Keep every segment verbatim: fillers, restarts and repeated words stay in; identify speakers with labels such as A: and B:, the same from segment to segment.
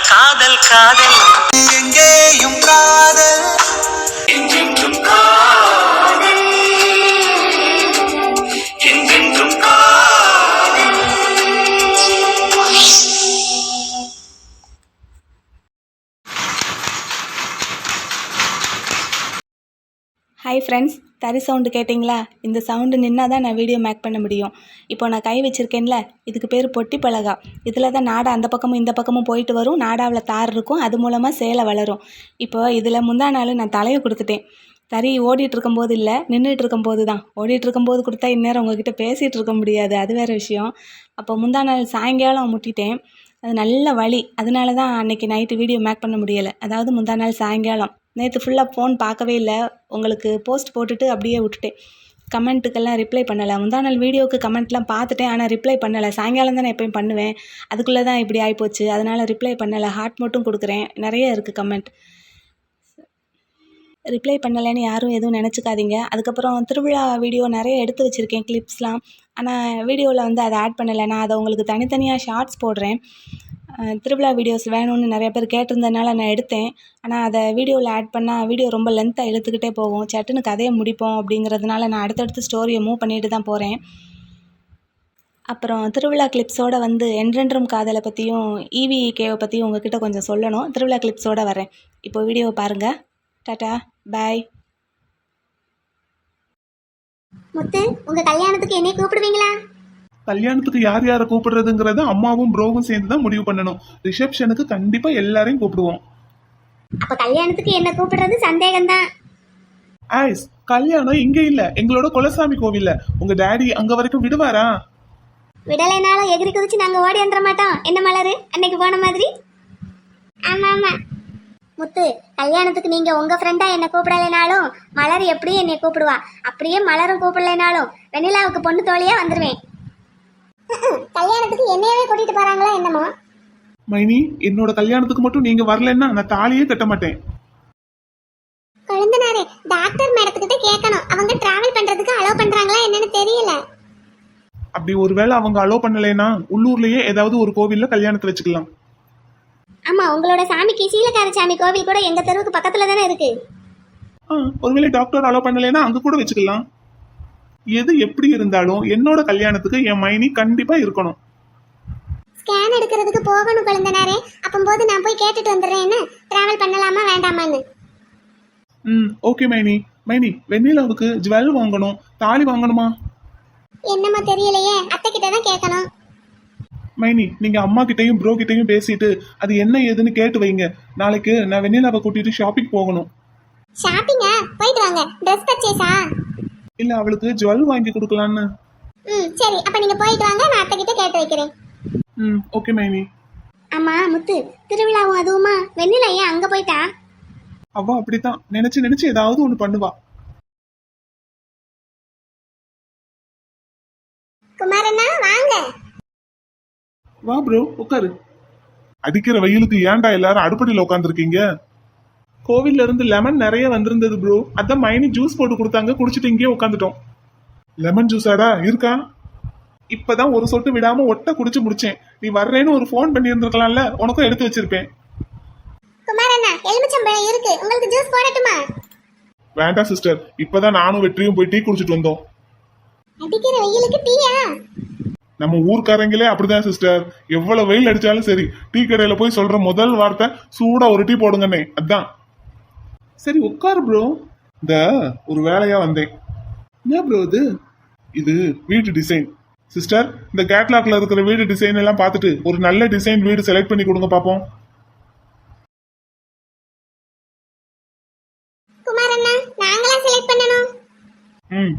A: காதல் காதல் எங்கேயும் காதல் என்றென்றும் காதல் என்றென்றும் காதல்.
B: ஹாய் ஃப்ரெண்ட்ஸ், தறி சவுண்டு கேட்டிங்களா? இந்த சவுண்டு நின்னா தான் நான் வீடியோ மேக் பண்ண முடியும். இப்போ நான் கை வச்சுருக்கேன்ல, இதுக்கு பேர் பொட்டி பலகா. இதில் தான் நாடா அந்த பக்கமும் இந்த பக்கமும் போயிட்டு வரும். நாடாவில் தார் இருக்கும், அது மூலமாக சேலை வளரும். இப்போ இதில் முந்தா நாள் நான் தலையை கொடுத்துட்டேன். தறி ஓடிட்டு இருக்கும்போது இல்லை, நின்றுட்டு இருக்கும்போது தான். ஓடிட்டு இருக்கும்போது கொடுத்தா இந்நேரம் உங்ககிட்ட பேசிகிட்டு இருக்க முடியாது, அது வேறு விஷயம். அப்போ முந்தா நாள் சாயங்காலம் முட்டிட்டேன். அது நல்ல வலி, அதனால தான் அன்றைக்கி நைட்டு வீடியோ மேக் பண்ண முடியலை. அதாவது முந்தா நாள் சாயங்காலம். நேற்று ஃபுல்லாக ஃபோன் பார்க்கவே இல்லை, உங்களுக்கு போஸ்ட் போட்டுட்டு அப்படியே விட்டுட்டேன். கமெண்ட்டுக்கெல்லாம் ரிப்ளை பண்ணலை. முந்தா நாள் வீடியோவுக்கு கமெண்ட்லாம் பார்த்துட்டேன், ஆனால் ரிப்ளை பண்ணலை. சாயங்காலம் தான் நான் எப்பயும் பண்ணுவேன், அதுக்குள்ளே தான் இப்படி ஆகிப்போச்சு. அதனால் ரிப்ளை பண்ணலை. ஹார்ட் மட்டும் கொடுக்குறேன், நிறைய இருக்குது கமெண்ட். ரிப்ளை பண்ணலைன்னு யாரும் எதுவும் நினச்சிக்காதீங்க. அதுக்கப்புறம் திருவிழா வீடியோ நிறைய எடுத்து வச்சுருக்கேன், கிளிப்ஸ்லாம். ஆனால் வீடியோவில் வந்து அதை ஆட் பண்ணலை. நான் அதை உங்களுக்கு தனித்தனியாக ஷார்ட்ஸ் போடுறேன். திருவிழா வீடியோஸ் வேணும்னு நிறைய பேர் கேட்டிருந்ததுனால நான் எடுத்தேன். ஆனால் அதை வீடியோவில் ஆட் பண்ணால் வீடியோ ரொம்ப லென்த்தாக இழுத்துக்கிட்டே போகும், சட்டுன்னு கதையை முடிப்போம். அப்படிங்கிறதுனால நான் அடுத்தடுத்து ஸ்டோரியை மூவ் பண்ணிட்டு தான் போகிறேன். அப்புறம் திருவிழா கிளிப்ஸோடு வந்து என்றென்றும் காதலை பற்றியும் ஈவி கேவை பற்றியும் உங்ககிட்ட கொஞ்சம் சொல்லணும். திருவிழா கிளிப்ஸோடு வரேன். இப்போ வீடியோவை பாருங்கள். டாட்டா, பாய்.
C: முத்து, உங்க கல்யாணத்துக்கு என்னை கூப்பிடுவீங்களா?
D: கல்யாணத்துக்கு யார் யாரை கூப்பிடுறதுங்கிறத அம்மாவும் ப்ரோவும் சேர்ந்து தான் முடிவு பண்ணணும். ரிசப்ஷனுக்கு கண்டிப்பா எல்லாரையும் கூப்பிடுவோம்.
C: அப்ப கல்யாணத்துக்கு என்ன கூப்பிடுறது சந்தேகம்தான்.
D: ஐஸ், கல்யாணம் இங்க இல்ல, எங்களோட குலசாமி கோவில்ல. உங்க டாடி அங்க வரைக்கும் விடுவாரா?
C: விடலைனாலும் எகிரி குதிச்சு நாங்க ஓடி வந்துட மாட்டோம். என்ன மலரு, அன்னைக்கு போன மாதிரி? ஆமா ஆமா முத்து, கல்யாணத்துக்கு நீங்க உங்க ஃப்ரெண்டா என்ன கூப்பிடலைனாலும் மலர் எப்படியும் என்னை கூப்பிடுவா. அப்படியே மலரும் கூப்பிடலைனாலும் வெண்ணிலாவுக்கு பொண்ணு தோழியா வந்துருவேன். கல்யாணத்துக்கு என்னையவே கூட்டிட்டு போறாங்களா என்னமோ?
D: மைனி, என்னோட கல்யாணத்துக்கு மட்டும் நீங்க வரலன்னா நான் தாலியே கட்ட மாட்டேன்.
C: குழந்தனாரே, டாக்டர் மேடத்துக்கிட்ட கேட்கணும், அவங்க டிராவல் பண்றதுக்கு அலோவ் பண்றாங்களா என்னன்னு தெரியல.
D: அப்படி ஒருவேளை அவங்க அலோவ் பண்ணலைன்னா உள்ளூர்லயே ஏதாவது ஒரு கோவில்ல கல்யாணத்தை வச்சுக்கலாம்.
C: ஆமா, உங்களோட சாமிக்கு சீலக்கார சாமி கோவில் கூட எங்க தெருவுக்கு பக்கத்துல தானே இருக்கு.
D: ஒருவேளை டாக்டர் அலோவ் பண்ணலைன்னா அங்க கூட வச்சுக்கலாம். எது எப்படி இருந்தாலும் என்னோட கல்யாணத்துக்கு என் மைனி கண்டிப்பா இருக்கணும்.
C: ஸ்கேன் எடுக்கிறதுக்கு போகணும் குழந்தனாரே, அப்பம்போது நான் போய் கேட்டுட்டு வந்துடுறேன், என்ன டிராவல் பண்ணலாமா வேண்டாமான்னு.
D: ம் ஓகே மைனி. மைனி, வெண்ணிலாவுக்கு ஜுவல் வாங்கணும், தாலி வாங்கணுமா?
C: என்னமா தெரியலையே, அத்தை கிட்ட தான் கேட்கணும்.
D: மைனி, நீங்க அம்மா கிட்டையும் ப்ரோ கிட்டையும் பேசிட்டு அது என்ன ஏதுன்னு கேட்டு வைங்க. நாளைக்கு நான் வெண்ணிலாவை கூட்டிட்டு ஷாப்பிங் போகணும்.
C: ஷாப்பிங்கா? போயிட்டு வாங்க. ட்ரெஸ் பர்ச்சேஸா?
D: இல்ல, அவளுக்கு ஜுவல் வாங்கி கொடுக்கலான்னு.
C: ம் சரி, அப்ப நீங்க போயிட்டு வாங்க, நான் அத்தை கிட்ட கேட்டு வைக்கிறேன்.
D: ம் ஓகே மைனி.
C: ஆமா முத்து, திருவிழாவும் அதுவுமா? வெண்ணிலா ஏன் அங்க போயிட்டா?
D: அவ அப்படித்தான் நினைச்சு நினைச்சு ஏதாவது ஒண்ணு பண்ணுவா.
C: குமாரண்ணா வாங்க.
D: வா ப்ரோ, உட்காரு. அடிக்கிற வெயிலுக்கு ஏன்டா எல்லாரும் அடுப்படியில் உட்காந்துருக்கீங்க? கோவில்ல இருந்து லெமன் நிறைய வந்திருந்தது ப்ரோ, அதான் மைனி ஜூஸ் போட்டு கொடுத்தாங்க, குடிச்சிட்டு இங்கேயே உட்காந்துட்டோம். லெமன் ஜூஸாடா இருக்கா? இப்பதான் ஒரு சொட்டு விடாம ஒட்ட குடிச்சு முடிச்சேன். நீ வர்றேன்னு ஒரு ஃபோன் பண்ணி இருந்திருக்கலாம்ல, உனக்கும் எடுத்து வச்சிருப்பேன்.
C: குமாரண்ணா, எலுமிச்சம்பழம் இருக்கு, உங்களுக்கு ஜூஸ் போடட்டுமா?
D: வேண்டாம் சிஸ்டர், இப்பதான் நானும் வெற்றியும் போய் டீ குடிச்சிட்டு வந்தோம்.
C: அடிக்கிற வெயிலுக்கு டீயா?
D: நம்ம ஊர்க்காரங்களே அப்படிதான் சிஸ்டர், எவ்வளவு வெயில் அடிச்சாலும் சரி டீ கடையில போய் சொல்ற முதல் வார்த்தை சூடா ஒரு டீ போடுங்கண்ணே, அதான். சரி உட்காரு ப்ரோ, இந்த ஒரு வேலையா வந்தேன். என்ன ப்ரோ இது? இது வீட்டு டிசைன். சிஸ்டர், இந்த கேட்லாக்ல இருக்கிற வீடு டிசைன் எல்லாம் பார்த்துட்டு ஒரு நல்ல டிசைன் வீடு செலக்ட் பண்ணி கொடுங்க பாப்போம்.
C: குமாரண்ணா, நாங்களா செலக்ட் பண்ணனும்?
D: ம்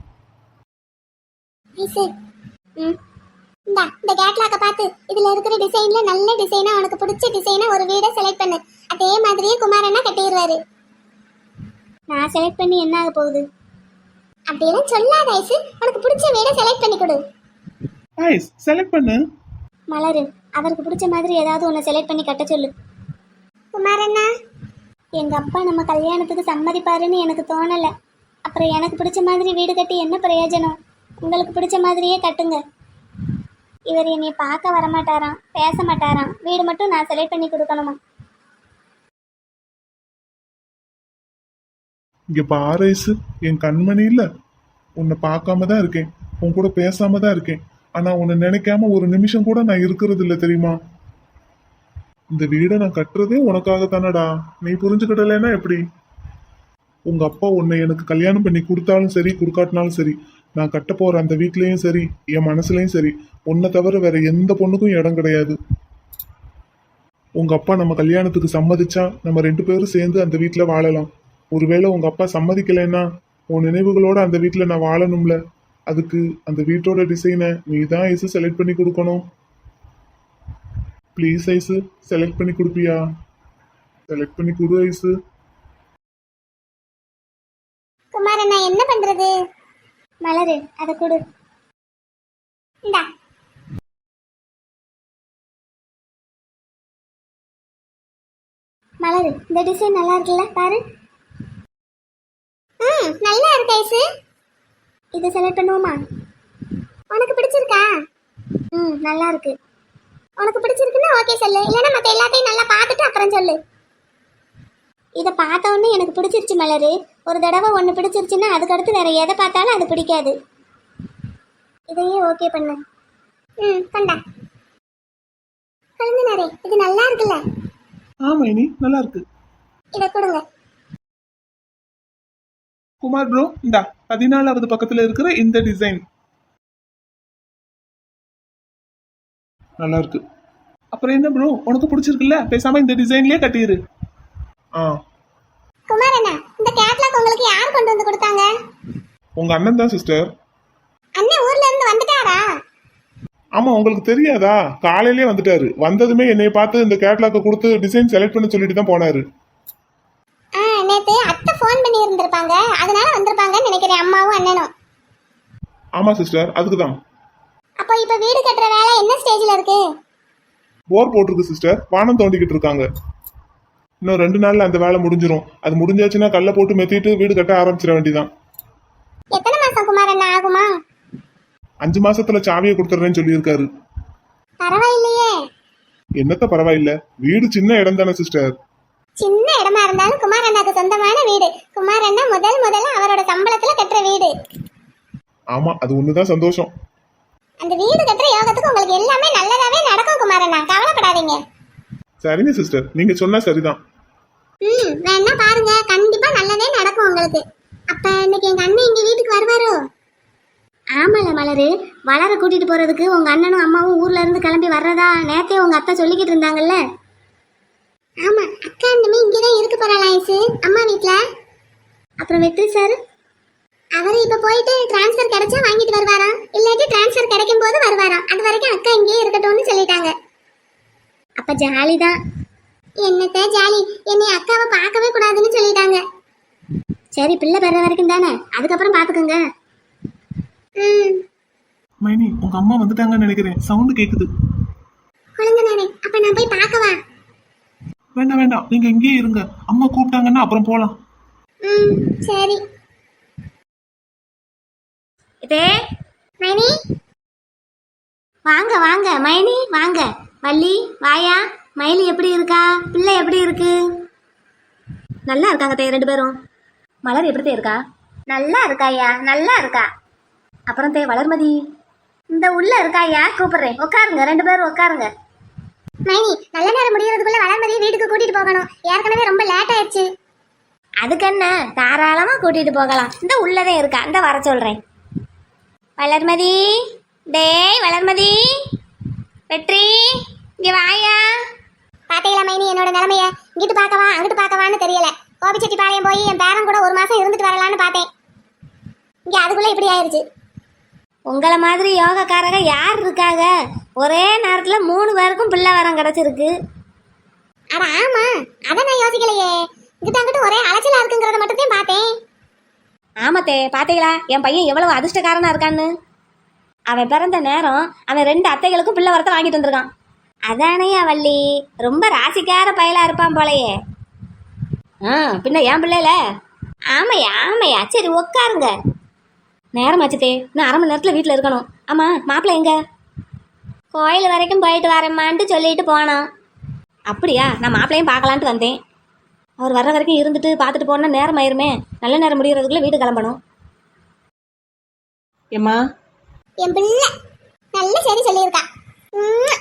C: ம் இந்த இந்த கேட்லாக்க பார்த்து இதுல இருக்கிற டிசைன்ல நல்ல டிசைனா, உனக்கு பிடிச்ச டிசைனா ஒரு வீடை செலக்ட் பண்ணு. அதே மாதிரியே குமாரண்ணா கட்டிடுவாரு. நான் செலக்ட் பண்ணி என்ன ஆக போகுது? அப்படியெல்லாம் சொல்லாத ஐசு, உனக்கு பிடிச்ச வீடை செலக்ட் பண்ணி கொடு.
D: ஐஸ் செலக்ட் பண்ணு.
C: மலரு, அவருக்கு பிடிச்ச மாதிரி ஏதாவது ஒன்று செலக்ட் பண்ணி கட்ட சொல்லு. குமாரண்ணா, எங்க அப்பா நம்ம கல்யாணத்துக்கு சம்மதிப்பாருன்னு எனக்கு தோணல. அப்புறம் எனக்கு பிடிச்ச மாதிரி வீடு கட்டி என்ன பிரயோஜனம்? உங்களுக்கு பிடிச்ச மாதிரியே கட்டுங்க. இவர் என்னை பார்க்க வரமாட்டாராம், பேச மாட்டாராம், வீடு மட்டும் நான் செலக்ட் பண்ணி கொடுக்கணுமா?
D: இங்க பாரு ஐசு, என் கண்மணி இல்ல, உன்னை பார்க்காம தான் இருக்கேன், உன் கூட பேசாம தான் இருக்கேன். ஆனா உன்னை நினைக்காம ஒரு நிமிஷம் கூட நான் இருக்கிறது இல்ல தெரியுமா? இந்த வீடை நான் கட்டுறதே உனக்காக தானடா. நீ புரிஞ்சுக்கிடலைன்னா எப்படி? உங்க அப்பா உன்னை எனக்கு கல்யாணம் பண்ணி கொடுத்தாலும் சரி கொடுக்காட்டினாலும் சரி, நான் கட்ட போற அந்த வீட்லயும் சரி என் மனசுலயும் சரி உன்னை தவிர வேற எந்த பொண்ணுக்கும் இடம் கிடையாது. உங்க அப்பா நம்ம கல்யாணத்துக்கு சம்மதிச்சா நம்ம ரெண்டு பேரும் சேர்ந்து அந்த வீட்டுல வாழலாம். ஒருவேளை உங்க அப்பா சம்மதிக்கலைன்னா உன் நினைவுகளோட அந்த வீட்டுல நான் வாழணும்ல. அதுக்கு அந்த வீட்டோட டிசைனை நீ தான் ஐசு செலக்ட் பண்ணி கொடுக்கணும். ப்ளீஸ் ஐசு, செலக்ட் பண்ணி கொடுப்பியா? செலக்ட் பண்ணி கொடு ஐசு.
C: குமார் நான் என்ன பண்றது? மலரு அதை கொடு. இந்தா. மலரு, இந்த டிசைன் நல்லா இருக்குல்ல, பாரு. ம் நல்லா இருக்கு ஐசு. இது செலக்ட் பண்ணுவோமா? உனக்கு பிடிச்சிருக்கா? ம் நல்லா இருக்கு. உனக்கு பிடிச்சிருக்குன்னா ஓகே சொல்லு, இல்லைன்னா மற்ற எல்லாத்தையும் நல்லா பார்த்துட்டு அப்புறம் சொல்லு. இதை பார்த்த உடனே எனக்கு பிடிச்சிருச்சு மலரு. ஒரு தடவை ஒன்று பிடிச்சிருச்சுன்னா அதுக்கடுத்து வேற எதை பார்த்தாலும் அது பிடிக்காது. இதையே ஓகே பண்ணு. ம் கண்டா. கலந்துனாரே, இது நல்லா இருக்குல்ல?
D: ஆமா இனி நல்லா இருக்கு.
C: இதை கொடுங்க.
D: குமார் ப்ரோ, இந்தா பதினாலாவது பக்கத்துல இருக்கிற இந்த டிசைன் நல்லா இருக்கு. அப்புறம் என்ன ப்ரோ, உனக்கு பிடிச்சிருக்குல்ல, பேசாம இந்த டிசைன்லயே கட்டிரு. ஆ
C: குமார் அண்ணா, இந்த கேட்லாக் உங்களுக்கு யார் கொண்டு வந்து கொடுத்தாங்க?
D: உங்க அண்ணன் தான் சிஸ்டர்.
C: அண்ணன் ஊர்ல இருந்து வந்துட்டாரா?
D: ஆமா, உங்களுக்கு தெரியாதா? காலையிலே வந்துட்டாரு. வந்ததுமே என்னை பார்த்து இந்த கேட்லாக்க கொடுத்து டிசைன் செலக்ட் பண்ண சொல்லிட்டு தான் போனாரு.
C: ஆ நேத்து அத்தை ஃபோன் பண்ணி இருந்திருப்பாங்க, அதனால வந்திருப்பாங்கன்னு நினைக்கிறேன், அம்மாவும் அண்ணனும்.
D: ஆமா சிஸ்டர், அதுக்கு தான்.
C: அப்போ இப்ப வீடு கட்டுற வேலை என்ன ஸ்டேஜ்ல இருக்கு?
D: போர் போட்டிருக்கு சிஸ்டர், வானம் தோண்டிக்கிட்டு இருக்காங்க. இன்னும் ரெண்டு நாள்ல அந்த வேலை முடிஞ்சிரும். அது முடிஞ்சாச்சுன்னா கல்லை போட்டு மெத்திட்டு வீடு கட்ட ஆரம்பிச்சிட வேண்டியதான்.
C: எத்தனை மாசம் குமார் அண்ணா ஆகுமா?
D: அஞ்சு மாசத்துல சாவியை கொடுத்துறேன்னு சொல்லியிருக்காரு.
C: பரவாயில்லையே.
D: என்னத்த பரவாயில்ல, வீடு சின்ன இடம் தானே சிஸ்டர்.
C: சின்ன இடமா இருந்தாலும் குமார் அண்ணாக்கு சொந்தமான வீடு. குமார் அண்ணா முதல் முதல்ல அவரோட சம்பளத்துல கட்டுற வீடு.
D: ஆமா, அது ஒண்ணுதான் சந்தோஷம்.
C: அந்த வீடு கட்டுற யோகத்துக்கு உங்களுக்கு எல்லாமே நல்லதாவே நடக்கும் குமார் அண்ணா, கவலைப்படாதீங்க.
D: சரிங்க சிஸ்டர், நீங்க சொன்னா சரிதான்.
C: ம் வேணா பாருங்க, கண்டிப்பா நல்லதே நடக்கும் உங்களுக்கு. அப்ப இன்னைக்கு எங்க அண்ணன் இங்க வீட்டுக்கு வருவாரோ? ஆமால மலரு, வளர கூட்டிட்டு போறதுக்கு உங்க அண்ணனும் அம்மாவும் ஊர்ல இருந்து கிளம்பி வர்றதா நேத்தே உங்க அத்தை சொல்லிக்கிட்டு இருந்தாங்கல்ல. ஆமா, அக்கா அண்ணமே இங்கதான் இருக்கு போறாளா ஐசு, அம்மா வீட்ல. அப்புறம் வெற்றி சார், அவரு இப்ப போயிட்டு டிரான்ஸ்ஃபர் கிடைச்சா வாங்கிட்டு வருவாராம், இல்லாட்டி டிரான்ஸ்ஃபர் கிடைக்கும் போது வருவாராம். அது வரைக்கும் அக்கா இங்கேயே இருக்கட்டும்னு சொல்லிட்டாங்க. அப்ப ஜாலி தான். என்னத்த ஜாலி, என்னை அக்காவை பார்க்கவே கூடாதுன்னு சொல்லிட்டாங்க. சரி, பிள்ளை பெற வரைக்கும் தானே, அதுக்கப்புறம் பாத்துக்கோங்க. ம்
D: மைனி, உங்க அம்மா வந்துட்டாங்கன்னு நினைக்கிறேன். சவுண்ட் கேக்குது.
C: குழந்தைனாரே, அப்ப நான் போய் பார்க்கவா?
D: வேண்டாம் வேண்டாம், நீங்க இங்கேயே இருங்க. அம்மா கூப்பிட்டாங்கன்னா அப்புறம் போலாம்.
C: ம் சரி. இதே மைனி, வாங்க வாங்க மைனி வாங்க. வள்ளி வாயா. மயிலி எப்படி இருக்கா? பிள்ளை எப்படி இருக்கு?
B: நல்லா இருக்காங்க தே ரெண்டு பேரும். மலர் எப்படி தே இருக்கா?
C: நல்லா இருக்காயா, நல்லா இருக்கா.
B: அப்புறம் தே வளர்மதி
C: இந்த உள்ள இருக்காயா, கூப்பிடுறேன், உட்காருங்க, ரெண்டு பேரும் உட்காருங்க. மைனி, நல்ல நேரம் முடியறதுக்குள்ள வளர்மதி வீட்டுக்கு கூட்டிட்டு போகணும். ஏற்கனவே ரொம்ப லேட் ஆயிடுச்சு.
B: அதுக்கு என்ன, தாராளமா கூட்டிட்டு போகலாம். இந்த உள்ளதே இருக்கா, இந்த வர சொல்றேன். வளர்மதி, டேய் வளர்மதி, வெற்றி இங்க வாயா.
C: பாத்தீங்களா மைனி என்னோட நிலைமைய? இங்கிட்டு பார்க்கவா அங்கிட்டு பார்க்கவான்னு தெரியல. கோபிச்செட்டிப்பாளையம் போய் என் பேரன் கூட ஒரு மாசம் இருந்துட்டு வரலான்னு பார்த்தேன். இங்க அதுக்குள்ள இப்படி ஆயிருச்சு.
B: உங்களை மாதிரி யோகக்காரங்க யார் இருக்காங்க? ஒரே நேரத்துல மூணு பேருக்கும் பிள்ளை வரம் கிடைச்சிருக்கு.
C: அட ஆமா, அதை நான் யோசிக்கலையே. இங்கிட்ட அங்கிட்ட ஒரே அலைச்சலா இருக்குங்கிறத மட்டும் தான் பார்த்தேன்.
B: ஆமாத்தே, பாத்தீங்களா என் பையன் எவ்வளவு அதிர்ஷ்டக்காரனா இருக்கான்னு? அவன் பிறந்த நேரம் அவன் ரெண்டு அத்தைகளுக்கும் பிள்ளை வரத்தை வாங்கிட்டு வந்திருக்கான். அதானையா வள்ளி, ரொம்ப ராசிக்கார பயலா இருப்பான் போலையே. ஆ பின்ன ஏன் பிள்ளைல? ஆமையா ஆமையா, சரி உட்காருங்க. நேரம் ஆச்சுத்தே, இன்னும் அரை மணி நேரத்தில் வீட்டில் இருக்கணும். ஆமா, மாப்பிள்ளை எங்க? கோயில் வரைக்கும் போயிட்டு வரேம்மான்ட்டு சொல்லிட்டு போனான். அப்படியா, நான் மாப்பிள்ளையும் பார்க்கலான்ட்டு வந்தேன்.
E: அவர் வர்ற வரைக்கும் இருந்துட்டு பார்த்துட்டு போனா நேரம் ஆயிருமே. நல்ல நேரம் முடியறதுக்குள்ள வீடு கிளம்பணும்.
B: ஏம்மா
C: என் பிள்ளை நல்ல சரி சொல்லியிருக்கா. உம்மா.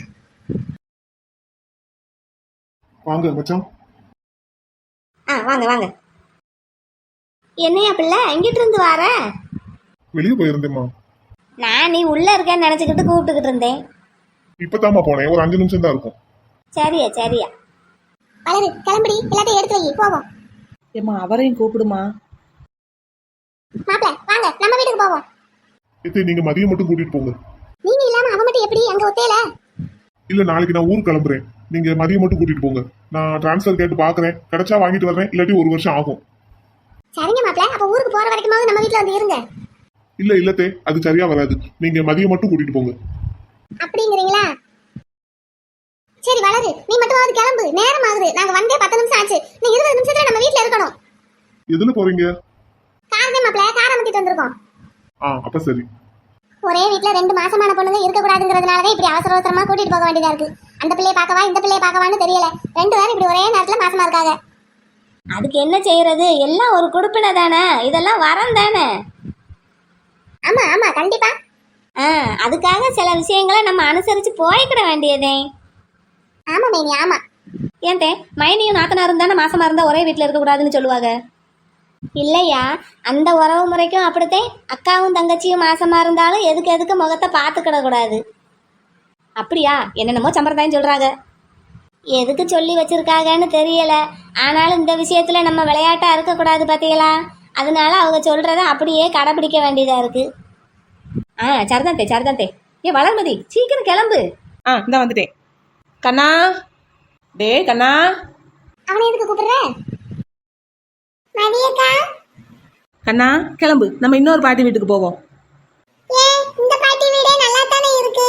D: வாங்க மச்சான்.
E: ஆ வாங்க வாங்க.
C: என்னையா பிள்ளை எங்கிட்டு இருந்து வார?
D: வெளியே போயிருந்தேம்மா.
C: நான் நீ உள்ள இருக்கேன்னு நினைச்சுக்கிட்டு கூப்பிட்டுக்கிட்டு இருந்தேன்.
D: இப்பதாம்மா போனேன், ஒரு அஞ்சு நிமிஷம் தான் இருக்கும்.
C: சரியா சரியா. வளரு கிளம்புடி, எல்லாத்தையும் எடுத்து வை போவோம்.
B: ஏம்மா அவரையும் கூப்பிடுமா.
C: மாப்பிள்ள வாங்க நம்ம வீட்டுக்கு போவோம்.
D: எத்தே நீங்க மதியம் மட்டும் கூட்டிட்டு போங்க.
C: நீங்க இல்லாம அவ மட்டும் எப்படி அங்க ஒத்தையில?
D: இல்ல நாளைக்கு நான் ஊருக்கு கிளம்புறேன், நீங்க மதியம் மட்டும் கூட்டிட்டு போங்க. நான் டிரான்ஸ்ஃபர் கேட்டு பாக்குறேன், கிடைச்சா வாங்கிட்டு வர்றேன், இல்லாட்டி ஒரு வருஷம் ஆகும்.
C: சரிங்க மாப்பிள்ள, அப்ப ஊருக்கு போற வரைக்குமாவது நம்ம வீட்டுல வந்து இருங்க.
D: இல்ல இல்லத்தே அது சரியா வராது, நீங்க மதியம் மட்டும் கூட்டிட்டு போங்க.
C: அப்படிங்கிறீங்களா? சரி வளரு, நீ மட்டுமாவது கிளம்பு, நேரம் ஆகுது. நாங்க வந்தே பத்து நிமிஷம் ஆச்சு. நீ இருபது நிமிஷத்துல நம்ம வீட்டுல இருக்கணும்.
D: எதுல போறீங்க?
C: காரணம் மாப்பிள்ள கார் அமைக்கிட்டு வந்திருக்கோம்.
D: ஆ அப்ப சரி.
C: ஒரே வீட்டுல ரெண்டு மாசமான பொண்ணுங்க இருக்க கூடாதுங்கிறதுனாலதான் இப்படி அவசர அவசரமா கூட்டிட்டு போக வேண்டியதா இருக்கு. அந்த பிள்ளைய பார்க்கவா இந்த பிள்ளைய பார்க்கவான்னு தெரியல, ரெண்டு பேரும் இப்படி ஒரே நேரத்துல மாசமா இருக்காங்க.
E: அதுக்கு என்ன செய்யறது, எல்லாம் ஒரு குடுப்பினை தானே, இதெல்லாம் வரம் தானே.
C: ஆமா ஆமா கண்டிப்பா.
E: ஆ அதுக்காக சில விஷயங்களை நம்ம அனுசரிச்சு போய்க்கிட வேண்டியதே.
C: ஆமா மேனி ஆமா.
E: ஏன் தே மைனியும் நாத்தனாரும் தானே மாசமா இருந்தா ஒரே வீட்டுல இருக்க கூடாதுன்னு சொல்லுவாங்க.
C: இல்லையா, அந்த உறவு முறைக்கும் அப்படித்தான். அக்காவும் தங்கச்சியும் மாசமா இருந்தாலும் எதுக்கு எதுக்கு முகத்தை பார்த்துக்கிட கூடாது.
E: அப்படியா? என்னென்னமோ சம்பிரதாயம் சொல்றாங்க.
C: எதுக்கு சொல்லி வச்சிருக்காங்கன்னு தெரியல. ஆனாலும் இந்த விஷயத்துல நம்ம விளையாட்டா இருக்கக்கூடாது பாத்தீங்களா, அதனால அவங்க சொல்றத அப்படியே கடைபிடிக்க வேண்டியதா இருக்கு.
E: ஆ சரிதான் தே சரிதான் தே. ஏ வளர்மதி சீக்கிரம் கிளம்பு.
B: ஆ இந்த வந்துட்டேன். கண்ணா டே கண்ணா.
C: அவனை எதுக்கு கூப்பிடுற? மதியக்கா.
B: கண்ணா கிளம்பு, நம்ம இன்னொரு பாட்டி வீட்டுக்கு போவோம்.
C: ஏன் இந்த பாட்டி வீடே நல்லா தானே இருக்கு.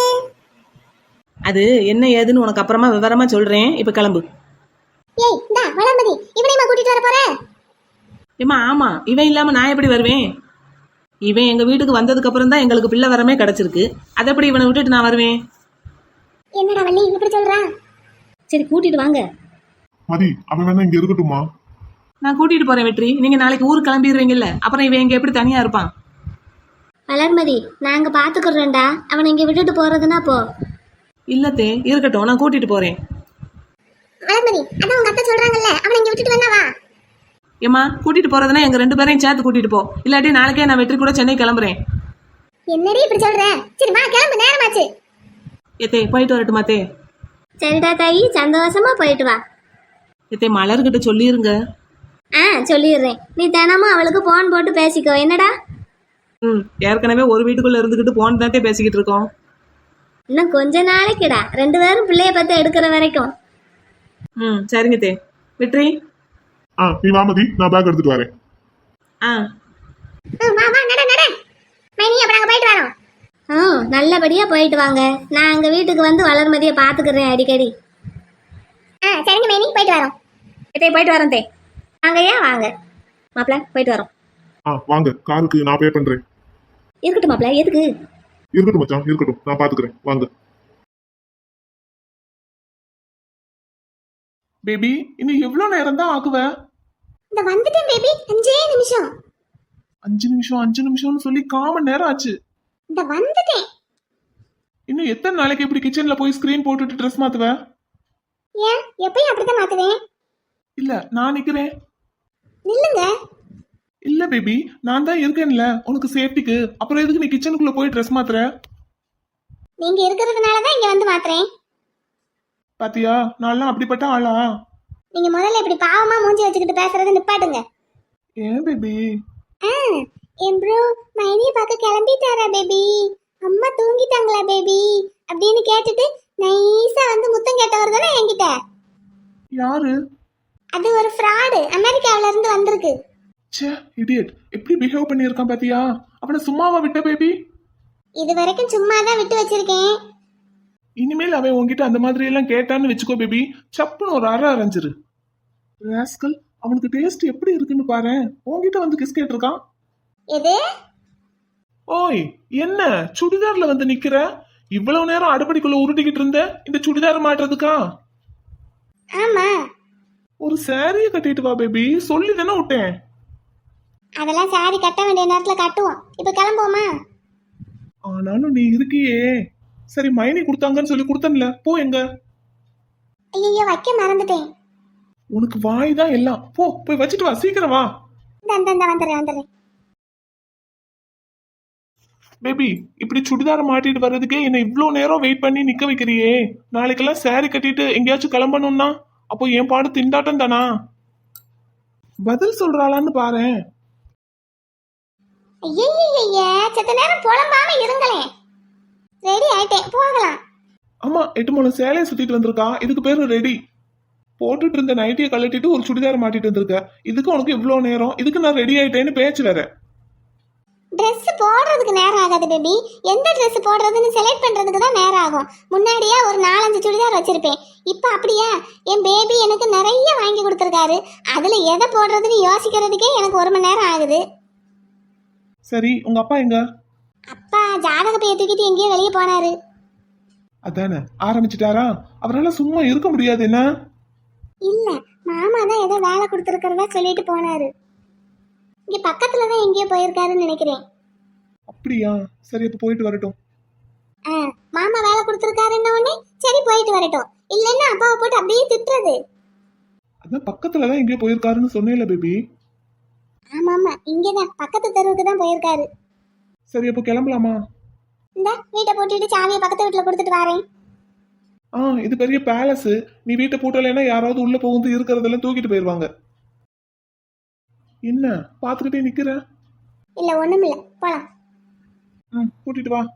B: அது என்ன ஏதுன்னு உனக்கு அப்புறமா விவரமா சொல்றேன், இப்ப கிளம்பு.
C: ஏய் இந்தா வளர்மதி, இவனையுமா கூட்டிட்டு வர போற?
B: ஏம்மா ஆமா, இவன் இல்லாம நான் எப்படி வருவேன்? இவன் எங்க வீட்டுக்கு வந்ததுக்கு அப்புறம் தான் எங்களுக்கு பிள்ளை வரமே கிடைச்சிருக்கு. அதை எப்படி இவனை விட்டுட்டு நான் வருவேன்?
C: என்னடா வள்ளி இப்படி சொல்றா?
E: சரி கூட்டிட்டு வாங்க.
D: மதி அவன் வேணா இங்க இருக்கட்டுமா?
B: நான் கூட்டிட்டு போறேன் வெற்றி, நீங்க நாளைக்கு ஊருக்கு கிளம்பிடுவீங்கல்ல, அப்புறம் இவன் இங்க எப்படி தனியா இருப்பான்?
C: வளர்மதி நாங்க பாத்துக்கிறோம்டா, அவனை இங்க விட்டுட்டு போறதுன்னா போ.
B: இல்லத்தே இருக்கட்டும், நான் கூட்டிட்டு போறேன்.
C: வளர்மதி அதான் உங்க அத்தை சொல்றாங்கல்ல, அவனை இங்க விட்டுட்டு வேணா வா.
B: ஏம்மா கூட்டிட்டு போறதுன்னா எங்க ரெண்டு பேரையும் சேர்த்து கூட்டிட்டு போ, இல்லாட்டி நாளைக்கே நான் வெற்றி கூட சென்னை கிளம்புறேன்.
C: என்னடி இப்படி சொல்ற? சரி வா கிளம்பு, நேரமாச்சு.
B: ஏத்தே போயிட்டு வரட்டுமா தே?
C: சரிடா தாயி, சந்தோஷமா போயிட்டு வா.
B: ஏத்தே மலர்கிட்ட சொல்லிருங்க.
C: ஆ சொல்லிடுறேன். நீ தினமும் அவளுக்கு போன் போட்டு பேசிக்கோ என்னடா.
B: ம் ஏற்கனவே ஒரு வீட்டுக்குள்ள இருந்துகிட்டு போன் தாத்தே பேசிக்கிட்டு இருக்கோம்.
C: இன்னும் கொஞ்ச நாளைக்குடா, ரெண்டு பேரும் பிள்ளைய பத்தி எடுக்கிற வரைக்கும்.
B: ம் சரிங்க தே. வெற்றி
D: ஆ நீ வா மதி, நான் பேக் எடுத்துட்டு வரேன்.
B: ஆ
C: வா வா நட நட. மைனி அப்ப நாங்க போயிட்டு வரோம். ம் நல்லபடியா போயிட்டு வாங்க. நான் அங்க வீட்டுக்கு வந்து வளர்மதியை பாத்துக்கிறேன் அடிக்கடி. ஆ சரிங்க மைனி, போயிட்டு வரோம்.
E: தே போயிட்டு வரேன் தே.
C: வாங்க ஏன் வாங்க.
E: மாப்பிள்ள போயிட்டு வரோம்.
D: ஆ வாங்க, காருக்கு நான் பே பண்றேன்.
E: இருக்கட்டும் மாப்பிள்ள, எதுக்கு?
D: இருக்கட்டும் மச்சான் இருக்கட்டும், நான் பாத்துக்கிறேன், வாங்க.
F: பேபி இன்னும் எவ்வளவு நேரம் தான் ஆகுவ?
C: இந்த வந்துட்டேன் பேபி, அஞ்சே நிமிஷம்.
F: அஞ்சு நிமிஷம் அஞ்சு நிமிஷம்னு சொல்லி காமன் நேரம் ஆச்சு.
C: இந்த வந்துட்டேன்.
F: இன்னும் எத்தனை நாளைக்கு இப்படி கிச்சன்ல போய் ஸ்கிரீன் போட்டுட்டு ட்ரெஸ் மாத்துவ?
C: ஏன் எப்பயும் அப்படித்தான் மாத்துவேன்.
F: இல்ல நான் நிக்கிறேன்.
C: நில்லுங்க.
F: இல்ல பேபி நான் தான் இருக்கேன்ல உனக்கு சேஃப்டிக்கு, அப்புறம் எதுக்கு நீ கிச்சனுக்குள்ள போய் ட்ரெஸ் மாத்துற?
C: நீங்க இருக்கிறதுனாலதான் இங்க வந்து மாத்துறேன்.
F: பாத்தியா நான்லாம் அப்படிப்பட்ட ஆளா?
C: நீங்க முதல்ல இப்படி பாவமா மூஞ்சி வச்சுக்கிட்டு பேசுறதை நிப்பாட்டுங்க.
F: ஏன் பேபி?
C: ஆ என் ப்ரோ மைனியை பார்க்க கிளம்பிட்டாரா பேபி, அம்மா தூங்கிட்டாங்களா பேபி அப்படின்னு கேட்டுட்டு நைஸா வந்து முத்தம் கேட்டவர் தானே என்கிட்ட.
F: யாரு?
C: அது ஒரு ஃப்ராடு, அமெரிக்காவில இருந்து வந்திருக்கு.
F: ச்சே இடியட், எப்படி பிஹேவ் பண்ணியிருக்கான் பாத்தியா? அவனை சும்மாவா விட்ட பேபி?
C: இது வரைக்கும் சும்மா தான் விட்டு வச்சிருக்கேன்.
F: இனிமேல் அவன் உன்கிட்ட அந்த மாதிரி எல்லாம் கேட்டான்னு வச்சுக்கோ பேபி, சப்புன்னு ஒரு அரை அரைஞ்சிரு. ராஸ்கல், அவனுக்கு டேஸ்ட் எப்படி இருக்குன்னு பாரு, உன்கிட்ட வந்து கிஸ் கேட்டிருக்கான்.
C: எது?
F: ஓய் என்ன சுடிதார்ல வந்து நிக்கிற? இவ்வளவு நேரம் அடுப்படிக்குள்ள உருட்டிக்கிட்டு இருந்த இந்த சுடிதார் மாட்டுறதுக்கா?
C: ஆமா.
F: ஒரு சாரிய கட்டிட்டு வா பேபி, சொல்லி தானே விட்டேன்.
C: அதெல்லாம் சாரி கட்ட வேண்டிய நேரத்துல கட்டுவோம். இப்ப கிளம்புவோமா?
F: ஆனாலும் நீ இருக்கியே. சரி, மைனி கொடுத்தாங்கன்னு சொல்லி கொடுத்தன்ல, போ. எங்க
C: ஐயோ, வைக்க மறந்துட்டேன்.
F: உனக்கு வாய் தான் எல்லாம். போ, போய் வச்சுட்டு வா, சீக்கிரம் வா.
C: இந்த இந்த இந்த வந்துடுறேன் வந்துடுறேன்.
F: பேபி, இப்படி சுடிதார மாட்டிட்டு வர்றதுக்கே என்ன இவ்ளோ நேரம் வெயிட் பண்ணி நிக்க வைக்கிறியே. நாளைக்கெல்லாம் சாரி கட்டிட்டு எங்கேயாச்சும் கிளம்பணும்னா அப்போ என் பாடு திண்டாட்டம் தானா? பதில் சொல்றாளான்னு பாரேன்.
C: ஐயய்யய்ய, செத்த நேரம் புலம்பாம இருங்களேன். ரெடி ஆயிட்டேன், போகலாம்.
F: ஆமா, எட்டு மூணு சேலையை சுத்திட்டு வந்திருக்கா. இதுக்கு பேரு ரெடி. போட்டுட்டு இருந்த நைட்டியை கழட்டிட்டு ஒரு சுடிதார மாட்டிட்டு வந்திருக்க. இதுக்கு உனக்கு இவ்ளோ நேரம். இதுக்கு நான் ரெடி ஆயிட்டேன்னு பேச்சு வேற.
C: ட்ரெஸ் போடுறதுக்கு நேரம் ஆகாது பேபி. எந்த ட்ரெஸ் போடுறதுன்னு செலக்ட் பண்றதுக்கு தான் நேரம் ஆகும். முன்னாடியே ஒரு நாலஞ்சு சுடிதார் வச்சிருப்பேன். இப்போ அப்படியா? என் பேபி எனக்கு நிறைய வாங்கி கொடுத்துருக்காரு. அதுல எதை போடுறதுன்னு யோசிக்கிறதுக்கே எனக்கு ஒரு மணி நேரம் ஆகுது.
F: சரி, உங்க அப்பா எங்க?
C: அப்பா ஜாதக பைய தூக்கிட்டு எங்கேயோ வெளியே போனாரு.
F: அதானே, ஆரம்பிச்சிட்டாரா? அவரால் சும்மா இருக்க முடியாது என்ன?
C: இல்ல, மாமா தான் ஏதோ வேலை கொடுத்துருக்கிறதா சொல்லிட்டு போனாரு. இங்க பக்கத்துலதான் எங்கேயோ போயிருக்காருன்னு நினைக்கிறேன்.
F: அப்படியா? சரி, அப்ப போயிட்டு வரட்டும்.
C: ஆ, மாமா வேலை கொடுத்துருக்காருன்ன உடனே சரி போயிட்டு வரட்டும். இல்லைன்னா அப்பாவை போட்டு அப்படியே திட்டுறது.
F: அதான் பக்கத்துலதான் எங்கேயோ போயிருக்காருன்னு சொன்னேன்ல பேபி.
C: ஆமா ஆமா, இங்கதான் பக்கத்து தெருவுக்கு தான் போயிருக்காரு.
F: சரி, அப்போ கிளம்பலாமா?
C: இந்த வீட்டை போட்டுட்டு சாவியை பக்கத்து வீட்டுல கொடுத்துட்டு வரேன்.
F: ஆ, இது பெரிய பேலஸ். நீ வீட்டை பூட்டலைன்னா யாராவது உள்ள புகுந்து இருக்கிறதெல்லாம் தூக்கிட்டு போயிருவாங்க. என்ன பாத்துக்கிட்டே நிக்கிற?
C: இல்ல ஒண்ணும் இல்ல, போலாம்.
F: ம், கூட்டிட்டு வா.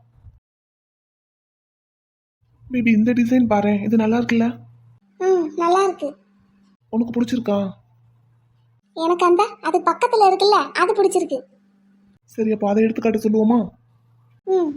F: பேபி, இந்த டிசைன் பாரு, இது நல்லா இருக்குல்ல?
C: ம், நல்லா இருக்கு.
F: உனக்கு பிடிச்சிருக்கா?
C: எனக்கு அந்த அது பக்கத்துல இருக்குல்ல, அது பிடிச்சிருக்கு.
F: சரி, அப்போ அதை எடுத்து காட்ட சொல்லுவோமா?
C: ம்,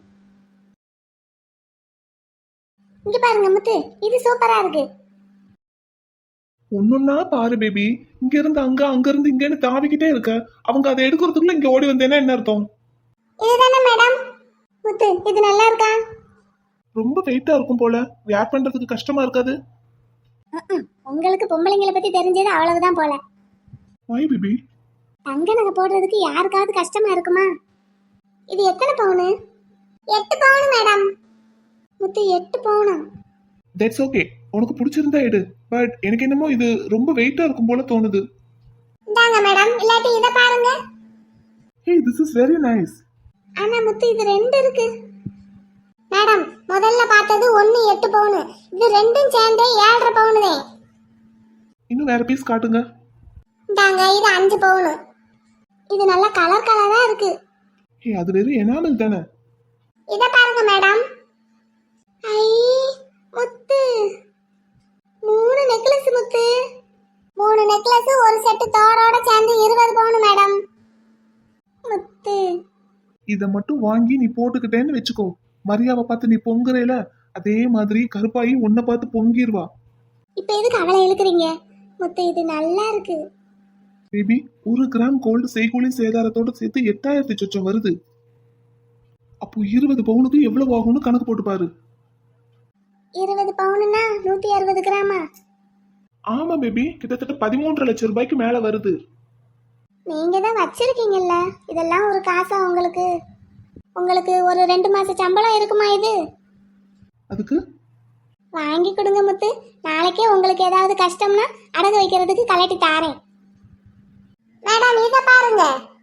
C: இங்க பாருங்க முத்து, இது சூப்பரா இருக்கு.
F: ஒன்னொன்னா பாரு பேபி. இங்க இருந்து அங்க, அங்க இருந்து இங்கன்னு தாவிக்கிட்டே இருக்க. அவங்க அதை எடுக்கிறதுக்குள்ள இங்க ஓடி வந்தேன்னா என்ன அர்த்தம்?
C: இதுதானே மேடம்? முத்து, இது நல்லா இருக்கா?
F: ரொம்ப வெயிட்டா இருக்கும் போல. வேர் பண்றதுக்கு கஷ்டமா இருக்காது?
C: ம்ம். உங்களுக்கு பொம்பளைங்களை பத்தி தெரிஞ்சது அவ்வளவுதான் போல.
F: வாய் பேபி.
C: தங்க நகை போடுறதுக்கு யாருக்காவது கஷ்டமா இருக்குமா? இது எத்தனை பவுனு? எட்டு பவுனு மேடம். முத்து, எட்டு பவுனா?
F: That's okay. உனக்கு பிடிச்சிருந்தா எடு. பட் எனக்கு என்னமோ இது ரொம்ப வெயிட்டா இருக்கும் போல தோணுது.
C: இந்தாங்க மேடம், இல்லாட்டி இத பாருங்க.
F: Hey, this is very nice.
C: ஆனா முத்து, இது ரெண்டு இருக்கு. மேடம், முதல்ல பார்த்தது ஒன்னு எட்டு பவுனு. இது ரெண்டும் சேர்ந்தே ஏழரை பவுனு தான்.
F: இன்னும் வேற பீஸ் காட்டுங்க.
C: இந்தாங்க, இது அஞ்சு பவுனு. இது நல்ல கலர் கலரா இருக்கு.
F: ஹே, அது வெறும் எனாமல் தானே.
C: இத பாருங்க மேடம். ஐ முத்து, மூணு நெக்லஸ் முத்து. மூணு நெக்லஸ் ஒரு செட்டு தோடோட சேர்ந்து இருபது பவுன் மேடம். முத்து,
F: இத மட்டும் வாங்கி நீ போட்டுக்கிட்டேன்னு வச்சுக்கோ. மரியாவை பார்த்து நீ பொங்குறேல, அதே மாதிரி கருப்பாயி உன்னை பார்த்து பொங்கிடுவா.
C: இப்ப எதுக்கு அவளை இழுக்கிறீங்க? முத்து, இது நல்லா இருக்கு.
F: பேபி, ஒரு கிராம் கோல்டு செய்கூலி சேதாரத்தோட சேர்த்து எட்டாயிரத்தி சொச்சம் வருது. அப்போ இருபது பவுனுக்கு எவ்வளவு ஆகும்னு கணக்கு போட்டு பாரு.
C: இருபது பவுனுன்னா நூத்தி அறுபது கிராமா?
F: ஆமா பேபி, கிட்டத்தட்ட பதிமூன்றரை லட்சம் ரூபாய்க்கு மேல வருது.
C: நீங்க தான் வச்சிருக்கீங்கல்ல, இதெல்லாம் ஒரு காசா உங்களுக்கு? உங்களுக்கு ஒரு ரெண்டு மாச சம்பளம் இருக்குமா இது?
F: அதுக்கு
C: வாங்கி கொடுங்க முத்து. நாளைக்கே உங்களுக்கு ஏதாவது கஷ்டம்னா அடகு வைக்கிறதுக்கு கலட்டி தாரேன். மேடம், இத பாருங்க.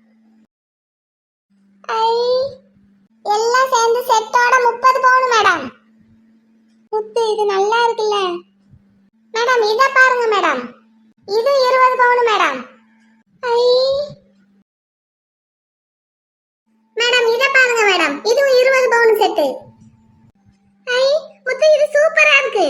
C: ஐ, எல்லாம் சேர்ந்து செட்டோட முப்பது பவுன் மேடம். முத்து, இது நல்லா இருக்குல்ல? மேடம், இத பாருங்க மேடம். இது இருபது பவுன் மேடம். ஐ மேடம், இத பாருங்க மேடம். இதுவும் இருபது பவுன் செட்டு. ஐ முத்து, இது சூப்பரா இருக்கு.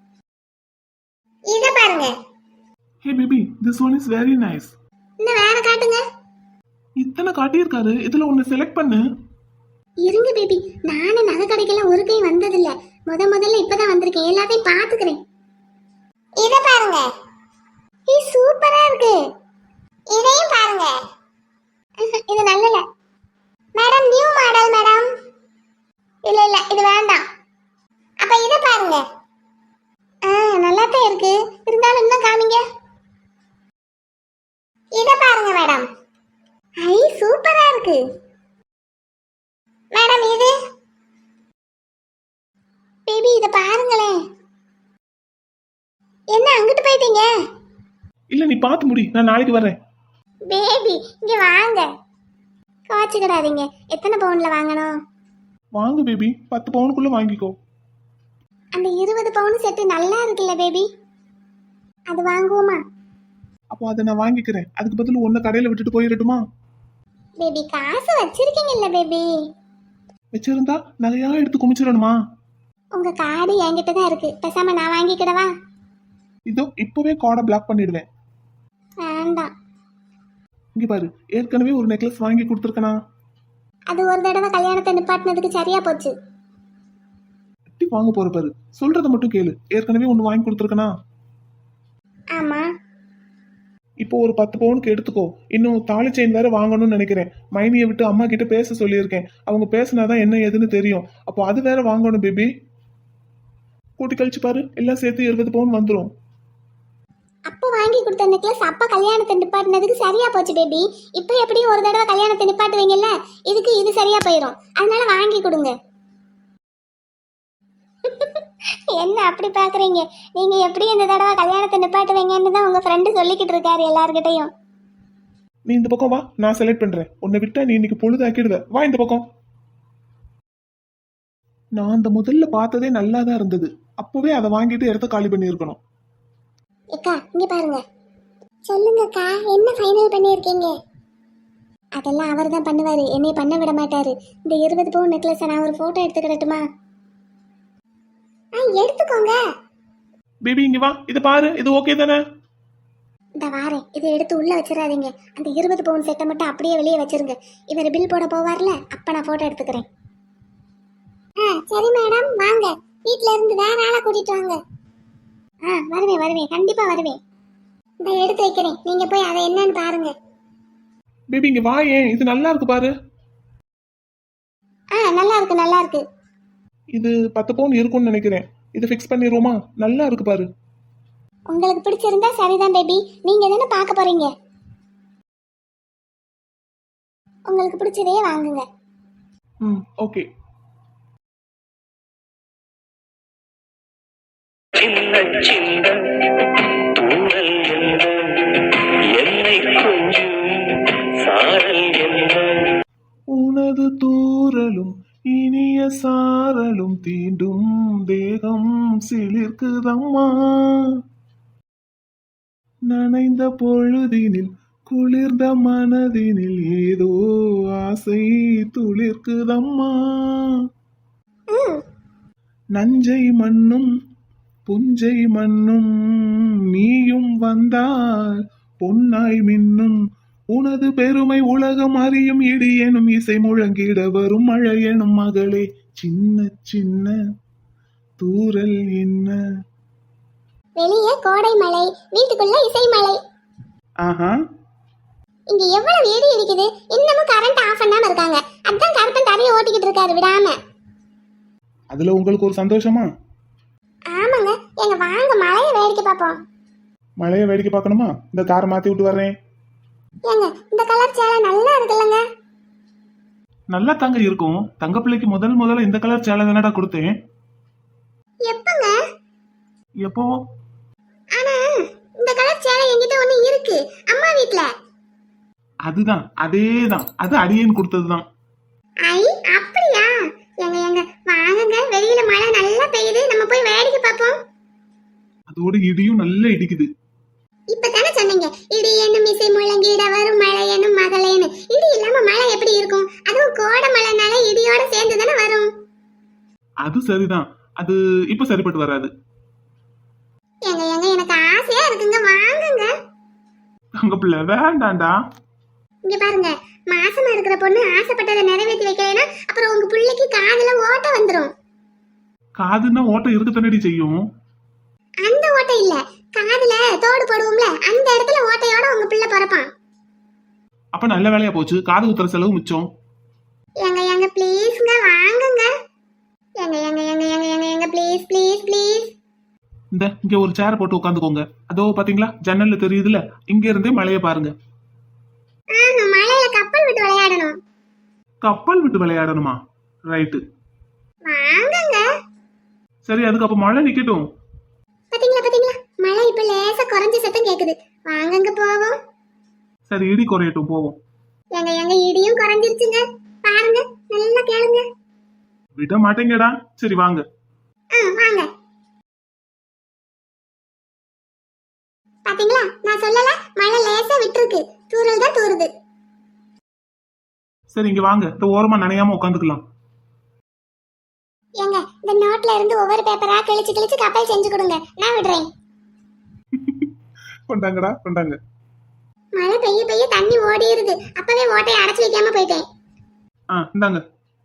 C: இத பாருங்க.
F: Hey baby, this one is very nice.
C: இன்னும் வேற காட்டுங்க.
F: இத்தனை காட்டியிருக்காரு, இதுல ஒன்னு செலக்ட் பண்ணு.
C: இருங்க பேபி, நானே நகை கடைக்கெல்லாம் ஒரு கை வந்ததில்ல. முத முதல்ல இப்பதான் வந்திருக்கேன். எல்லாத்தையும் பாத்துக்கிறேன். இத பாருங்க. இது சூப்பரா இருக்கு. இதையும் பாருங்க. இது நல்லல மேடம், நியூ மாடல் மேடம். இல்ல இல்ல, இது வேண்டாம். அப்ப இத பாருங்க. ஆ, நல்லாத்தான் இருக்கு. இருந்தாலும் இன்னும் காமிங்க. இத பாருங்க மேடம். ஐ சூப்பரா இருக்கு மேடம். இது பேபி இத பாருங்களேன். என்ன அங்கிட்டு போயிட்டீங்க?
F: இல்ல நீ பார்த்து முடி, நான் நாளைக்கு வரேன்.
C: பேபி இங்க வாங்க. காய்ச்சிக்கிடாதீங்க. எத்தனை பவுன்ல வாங்கணும்?
F: வாங்க பேபி, பத்து பவுனுக்குள்ள வாங்கிக்கோ.
C: அந்த இருபது பவுன் செட்டு நல்லா இருக்குல்ல பேபி, அது வாங்குவோமா?
F: அப்போ அதை நான் வாங்கிக்கிறேன். அதுக்கு பதில் ஒன்ன கடையில விட்டுட்டு போயிடட்டுமா?
C: பேபி காசு வச்சிருக்கீங்கல்ல பேபி.
F: வச்சிருந்தா நகையா எடுத்து குமிச்சிடணுமா?
C: உங்க கார்டு என்கிட்ட தான் இருக்கு. பேசாம நான் வாங்கிக்கிடவா?
F: இதோ இப்பவே கார்டை பிளாக் பண்ணிடுவேன்.
C: வேண்டாம்.
F: இங்க பாரு, ஏற்கனவே ஒரு நெக்லஸ் வாங்கி கொடுத்துருக்கனா?
C: அது ஒரு தடவை கல்யாணத்தை நிப்பாட்டினதுக்கு சரியா போச்சு.
F: எப்படி வாங்க போற பாரு, சொல்றத மட்டும் கேளு. ஏற்கனவே ஒன்னு வாங்கி கொடுத்துருக்கனா?
C: ஆமா.
F: இப்போ ஒரு பத்து பவுனுக்கு எடுத்துக்கோ. இன்னும் தாலி செயின் வேற வாங்கணும்னு நினைக்கிறேன். மைனியை விட்டு அம்மா கிட்ட பேச சொல்லியிருக்கேன். அவங்க பேசினாதான் என்ன ஏதுன்னு தெரியும். அப்போ அது வேற வாங்கணும் பேபி. கூட்டி கழிச்சு பாரு, எல்லாம் சேர்த்து இருபது பவுன் வந்துடும்.
C: அப்போ வாங்கி கொடுத்த நெக்லஸ் அப்பா கல்யாணத்தை நிப்பாட்டினதுக்கு சரியா போச்சு பேபி. இப்போ எப்படியும் ஒரு தடவை கல்யாணத்தை நிப்பாட்டுவீங்கல்ல, இதுக்கு இது சரியா போயிடும். அதனால வாங்கி கொடுங்க. என்ன அப்படி பாக்குறீங்க? நீங்க எப்படி இந்த தடவை கல்யாணத்தை நிப்பாட்டுவீங்கன்னு தான் உங்க ஃப்ரெண்டு சொல்லிக்கிட்டு இருக்காரு எல்லார்கிட்டையும்.
F: நீ இந்த பக்கம் வா, நான் செலக்ட் பண்றேன். உன்னை விட்டா நீ இன்னைக்கு பொழுதாக்கிடுவ. வா இந்த பக்கம். நான் அந்த முதல்ல பார்த்ததே நல்லா தான் இருந்தது. அப்பவே அதை வாங்கிட்டு இடத்த காலி பண்ணி இருக்கணும்.
C: அக்கா இங்க பாருங்க. சொல்லுங்கக்கா, என்ன ஃபைனல் பண்ணியிருக்கீங்க? அதெல்லாம் அவர் தான் பண்ணுவாரு, என்னை பண்ண விட மாட்டாரு. இந்த இருபது பவுன் நெக்லஸை நான் ஒரு போட்டோ எடுத்துக்கிடட்டுமா? ஆ எடுத்துக்கோங்க.
F: பேபி இங்க வா, இதை பாரு, இது ஓகே தானே?
C: இந்த வாரேன். இதை எடுத்து உள்ள வச்சிடாதீங்க. அந்த இருபது பவுன் செட்டை மட்டும் அப்படியே வெளியே வச்சிருங்க. இவர் பில் போட போவார்ல, அப்ப நான் போட்டோ எடுத்துக்கிறேன். ஆ சரி மேடம், வாங்க. வீட்ல இருந்து வேற ஆளை கூட்டிட்டு வாங்க. ஆ வருவேன் வருவேன், கண்டிப்பா வருவேன். இந்த எடுத்து வைக்கிறேன், நீங்க போய் அதை என்னன்னு பாருங்க.
F: பேபி இங்க வா, ஏன் இது நல்லா இருக்கு பாரு.
C: ஆ நல்லா இருக்கு நல்லா இருக்கு.
F: இது பத்து பவுன் இருக்கும்னு நினைக்கிறேன். இதை ஃபிக்ஸ் பண்ணிடுவோமா? நல்லா இருக்கு பாரு.
C: உங்களுக்கு பிடிச்சிருந்தா சரிதான் பேபி. நீங்க தானே பார்க்க போறீங்க. உங்களுக்கு பிடிச்சதே வாங்குங்க.
F: ம் ஓகே.
A: சின்ன சின்ன தூரல் என்ன, என்னை கொஞ்சம் சாரல் என்ன,
F: உனது தூறலும் இனிய சாரலும் தீண்டும் தேகம் சிலிர்க்குதம்மா. நனைந்த பொழுதினில் குளிர்ந்த மனதினில் ஏதோ ஆசை துளிர்க்குதம்மா. நஞ்சை மண்ணும் புஞ்சை மண்ணும் நீயும் வந்தால் பொன்னாய் மின்னும். உனது பெருமை உலகம் அறியும். இடி எனும் இசை முழங்கிட வரும் மழை எனும் மகளே. சின்ன சின்ன தூரல் என்ன.
C: வெளியே கோடை மழை, வீட்டுக்குள்ள இசை மழை.
F: ஆஹா,
C: இங்க எவ்வளவு ஏடி இருக்குது. இன்னமும் கரண்ட் ஆஃப் பண்ணாம இருக்காங்க. அதான் கருப்பன் தரையை ஓட்டிக்கிட்டு இருக்காரு விடாம.
F: அதுல உங்களுக்கு ஒரு சந்தோஷமா?
C: ஆமாங்க. எங்க வாங்க மழையை வேடிக்கை பார்ப்போம்.
F: மழைய வேடிக்கை பார்க்கணுமா? இந்த காரை மாத்தி விட்டு வர்றேன்.
C: ஏங்க இந்த கலர் சேலை நல்லா இருக்குல்லங்க.
F: நல்லா தாங்க இருக்கும். தங்க பிள்ளைக்கு முதல் முதல்ல இந்த கலர் சேலை தானடா கொடுத்தேன்.
C: எப்பங்க?
F: எப்போ?
C: ஆனா இந்த கலர் சேலை என்கிட்ட ஒண்ணு இருக்கு, அம்மா வீட்ல.
F: அதுதான், அதேதான். அது அடியேன் கொடுத்ததுதான்.
C: ஐ அப்படியா? எங்க எங்க வாங்குங்க. வெளியில மழை நல்லா பெய்யுது, நம்ம போய் வேடிக்கை பார்ப்போம்.
F: அதோட இடியும் நல்லா இடிக்குது.
C: இப்பதானே சொன்னீங்க இடி என்னும் இசை முழங்கிட வரும் மழை என்னும் மகளேன்னு. இடி இல்லாம மழை எப்படி இருக்கும்? அதுவும் கோடை மழைனால இடியோட சேர்ந்து தானே வரும்.
F: அது சரிதான். அது இப்ப சரிப்பட்டு வராது.
C: எங்க எங்க எனக்கு ஆசையா இருக்குங்க, வாங்குங்க.
F: தங்க பிள்ளை வேண்டாண்டா.
C: இங்க பாருங்க, மாசமா இருக்கிற பொண்ணு ஆசைப்பட்டதை நிறைவேற்றி வைக்கலைன்னா அப்புறம் உங்க பிள்ளைக்கு காதுல ஓட்டை வந்துடும்.
F: காதுன்னா ஓட்டம் இருக்க தானடி செய்யும்.
C: அந்த ஓட்டை இல்ல, காதுல தோடு போடுவோம்ல, அந்த இடத்துல ஓட்டையோட உங்க பிள்ளை பிறப்பான்.
F: அப்ப நல்ல வேலையா போச்சு. காது குத்துற செலவு மிச்சம்.
C: எங்க எங்க ப்ளீஸ்ங்க, வாங்குங்க. எங்க எங்க எங்க எங்க எங்க எங்க ப்ளீஸ் ப்ளீஸ் ப்ளீஸ்.
F: இந்த இங்க ஒரு சேர் போட்டு உட்காந்துக்கோங்க. அதோ பாத்தீங்களா, ஜன்னல்ல தெரியுதுல, இங்க இருந்தே மழைய பாருங்க.
C: ஆஹா, மழையில கப்பல் விட்டு விளையாடணும்.
F: கப்பல் விட்டு விளையாடணுமா? ரைட்டு.
C: வாங்கங்க.
F: சரி, அதுக்கு அப்ப மழை நிக்கட்டும்.
C: பாத்தீங்களா பாத்தீங்களா, மழை இப்ப லேசா குறைஞ்ச சத்தம் கேக்குது. வாங்கங்க போவோம்.
F: சரி, இடி குறையட்டும், போவோம்.
C: எங்க எங்க இடியும் குறைஞ்சிருச்சுங்க. பாருங்க, நல்லா கேளுங்க.
F: விட மாட்டேங்கடா. சரி வாங்க.
C: ஆ, வாங்க. பாத்தீங்களா, நான் சொல்லல, மழை லேசா விட்டுருக்கு. தூறல் தான் தூறுது.
F: சரி, இங்க வாங்க. இந்த ஓரமா நனையாம உட்காந்துக்கலாம்.
C: ஏங்க, இந்த நோட்ல இருந்து ஒவ்வொரு பேப்பரா கிழிச்சு கிழிச்சு கப்பல் செஞ்சு கொடுங்க, நான் விடுறேன்.
F: கொண்டாங்கடா, கொண்டாங்க.
C: மழை பெய்ய பெய்ய தண்ணி ஓடிடுது. அப்பவே ஓட்டையை அடைச்சு வைக்காம போயிட்டேன்.
F: ஆ, இந்தாங்க.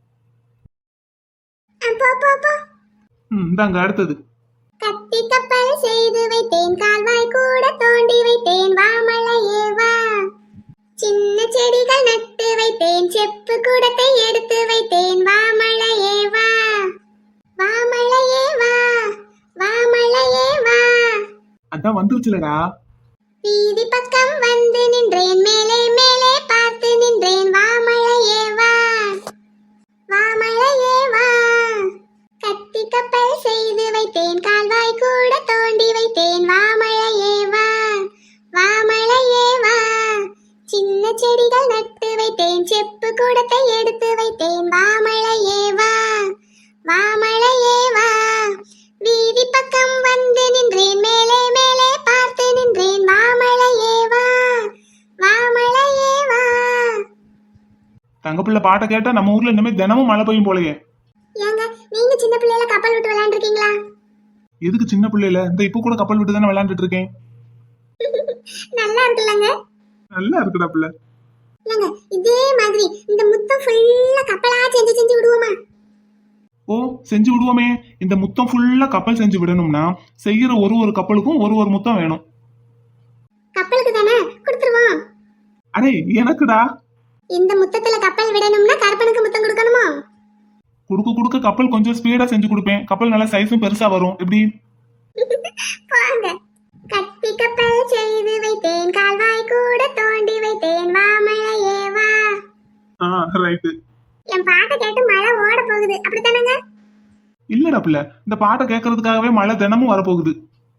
C: ஆ, போ போ போ.
F: ம், இந்தாங்க அடுத்தது.
C: கத்தி கப்பல் செய்து வைத்தேன், கால்வாய் கூட தோண்டி வைத்தேன், வா மழையே வா. சின்ன செடிகள் நட்டு வைத்தேன், செப்பு கூடத்தை எடுத்து வைத்தேன், வா மழையே வா. வா மழையே வா, வா மழையே வா.
F: அதான் வந்துருச்சுலடா.
C: வீதி பக்கம் வந்து நின்றேன், மேலே மேலே பார்த்து நின்றேன், வா மழையே வா. வா மழையே வா. கத்தி கப்பல் செய்து வைத்தேன், கால்வாய் கூட தோண்டி வைத்தேன், வா மழையே வா. வா மழையே வா. சின்ன செடிகள் நட்டு வைத்தேன், செப்பு கூடத்தை எடுத்து வைத்தேன், வா மழையே வா. வா மழையே வா. வீதி பக்கம் வந்து நின்றேன், மேலே மேலே பார்த்து நின்றேன், வா மழையே வா. வா மழையே வா.
F: தங்கப்பிள்ளை பாட்டை கேட்டா நம்ம ஊர்ல இனிமே தினமும் மழை பெய்யும் போலயே.
C: ஏங்க, நீங்க சின்ன பிள்ளையில கப்பல் விட்டு விளையாண்டுருக்கீங்களா?
F: எதுக்கு சின்ன பிள்ளைல? இந்த இப்ப கூட கப்பல் விட்டு தானே விளையாண்டுட்டு இருக்கேன்.
C: நல்லா இருக்குல்லங்க.
F: நல்லா இருக்குடா பிள்ளை.
C: ஏங்க, இதே மாதிரி இந்த முத்தம் ஃபுல்லா கப்பலா செஞ்சு செஞ்சு விடுவோமா?
F: ஓ, செஞ்சு விடுவோமே. இந்த முத்தம் ஃபுல்லா கப்பல் செஞ்சு விடணும்னா செய்யற ஒரு ஒரு கப்பலுக்கும் ஒரு ஒரு முத்தம் வேணும்.
C: கப்பலுக்கு தானே கொடுத்துருவோம்.
F: அடே, எனக்குடா.
C: இந்த முத்தத்துல கப்பல் விடணும்னா கற்பனுக்கு முத்தம் கொடுக்கணுமா?
F: குடுக்க குடுக்க கப்பல் கொஞ்சம் ஸ்பீடா செஞ்சு கொடுப்பேன். கப்பல் நல்ல சைஸும் பெருசா வரும். எப்படி?
C: போங்க. கத்தி கப்பல் செய்து வைத்தேன், கால்வாய் கூட தோண்டி வைத்தேன், வா மழையே வா.
F: ஆ, ரைட்டு.
C: என் பாட்டை கேட்டு மழை ஓட போகுது, அப்படித்தானங்க?
F: இல்லடா பிள்ளை, இந்த பாட்டை கேட்கறதுக்காகவே மழை தினமும் வரப்போகுது.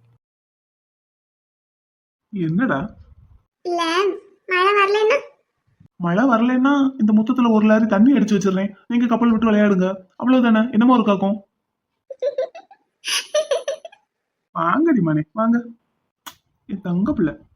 F: என்னடா?
C: இல்ல, மழை வரலன்னா
F: மழை வரலன்னா இந்த முத்தத்துல ஒரு லாரி தண்ணி அடிச்சு வச்சிடுறேன். நீங்க கப்பல் விட்டு விளையாடுங்க. அவ்வளவுதானே? என்னமோ இருக்காக்கும். வாங்கடி மனே, வாங்க. என் தங்க பிள்ளை.